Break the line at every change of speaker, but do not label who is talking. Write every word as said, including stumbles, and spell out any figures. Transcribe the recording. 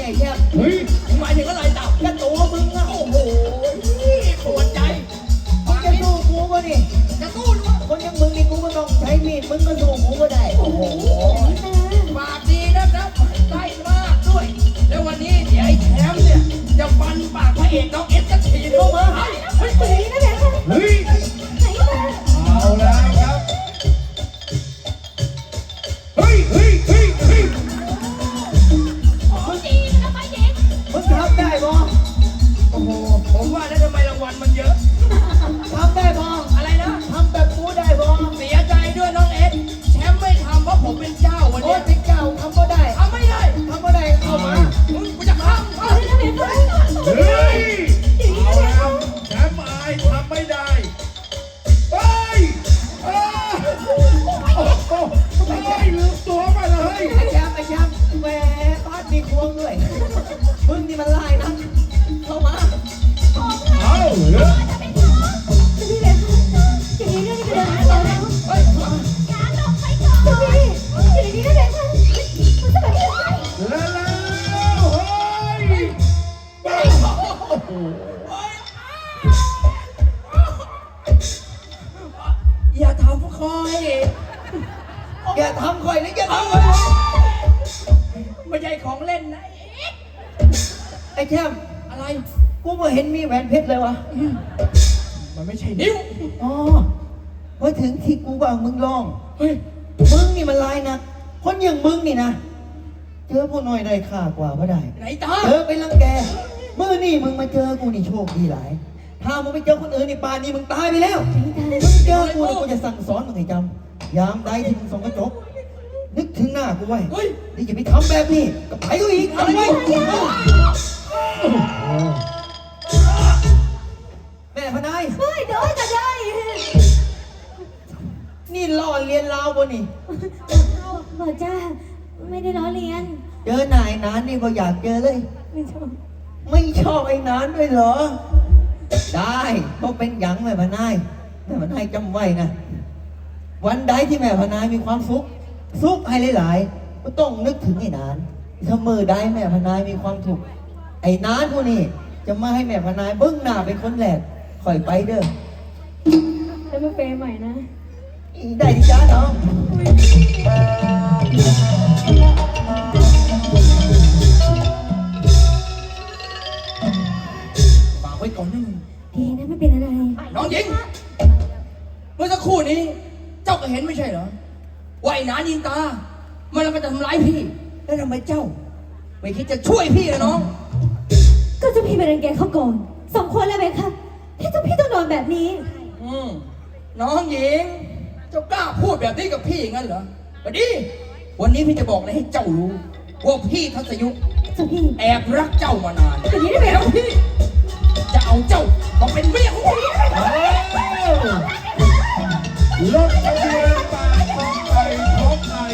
แช่
เฮ้ย
หมายถึงอะไรเต่า
ก็ตัวมึงอะ
โอ้โหปวดใจ
มึงจะสู้กูก็นี่
จะสู้ด้วย
คนอย่างมึงนี่กูก็ต้องใช้มีดมึงก็สู้กูก็ได้โอ้โห
ปากดีนะครับได้มากด้วยแล้ววันนี้เดี๋ยวไอ้แชมป์เนี่ยจะฟันปากพระเอกน้องเอสจะฉีดเข้ามาให้เฮ้ย
เฮ้ยเอาแล้วครับเฮ้ยเฮ้ยเฮ้ยเฮ้ย
มึงทำได้ปะโอ้โห
ผมว่าแล้วทำไมรางวัลมันเยอะ
ทำได้ปะ
อะไรนะ
ทำแบบกูได้ปะ
เสียใจด้วยน้องเอสแชมป์ไม่ทำเพราะผมเป็นเจ้าวัน
โอ้
นี้
ยเป็นเจ้าทำก็ได้
ทำไม่ได้
ทำก็ได้เข้ามา
มึงกูจะข้ามเข้า
เฮ้ยเอาแล้วแชมป์อายทำไม่ได้เฮ้ยเอ้ยโอ้โหเฮ้ยลืมตัวไปเลย
ไอ้แชมป์ไอ้แชมป์แหมบ้านมีควงด้วยมึงนี่มันลายนะเข้ามา
เอาเฮ้ย
เฮ้ย
แล้วแล้วเฮ้ยบ้าโอ้โห
อย่าทำคอย
อย่าทำข่อยนะอย่า
เอา
ทำข่อย
ไม่ใช่ของเล่นนะ
ไอ้แชมป์
อะไร
กูไม่เห็นมีแหวนเพชรเลยวะ
มันไม่ใช่นิ้ว
อ๋อพอถึงที่กูว่ามึงลอง
เฮ้ย
มึงนี่มันลายนะคนอย่างมึงนี่นะเจอผู้น้อยได้ค่ากว่าก็ได้
ไหนตา
เจอเป็นรังแกเมื่อนี่มึงมาเจอกูนี่โชคดีหลาย ถ้ามึงไปเจอคนอื่นนี่ป่านนี้มึงตายไปแล้ว มึงเจอกูนี่กูจะสั่งสอนมึงให้จำยามใดที่มึงส่องกระจก นึกถึงหน้ากูไว้
เฮ้ย
นี่อย่าไปทำแบบนี้กับใครก็อีกทำไว้แม่พนายนี่ล่อเรียนลาวบนนี่
บอกจ้าไม่ได้ล้อเลียน
เจอนายนานนี่ก็อยากเจอเลย
ไม่ชอบ
ไม่ชอบไอ้นานด้วยเหรอ ได้ก็เป็นหยังแม่พนายแม่พนายจำไว้นะ วันใดที่แม่พนายมีความสุขสุขให้หลายๆก็ต้องนึกถึงไอ้นานถ้ามือใดแม่พนายมีความถูกข์ไอ้นานพวกนี้จะมาให้แม่พนายเบิ้งหน้าเป็นคนแรกคอยไปเด้อ
แล้วมาเปย์ใหม่นะ
อีได้ดิจ้าน้อง
ฝากไว้ก่อนนะมึง
ดีนะไม่เป็นอะไร
น้องหญิง เมื่อสักครู่นี้ เจ้าก็เห็นไม่ใช่เหรอว่าไอ้หนายิงตา มันจะมาทำร้ายพี่ แล้วทำไมเจ้า ไม่คิดจะช่วยพี่นะน้อง
ก็เจ้าพี่ไปรังแกเขาก่อนสมควรแล้วไหมคะที่เจ้าพี่ต้องโดนแบบนี้
อืมน้องหญิง เจ้ากล้าพูดแบบนี้กับพี่งั้นเหรอก็ดี วันนี้พี่จะบอกอะไรให้เจ้ารู้ว่าพี่ทัศยุ
เจ้าพี่
แอบรักเจ้ามานาน
แต่นี้ได้ไหม
แล้วพี่จะเอาเจ้ามาเป็นเมียของพี่
รถ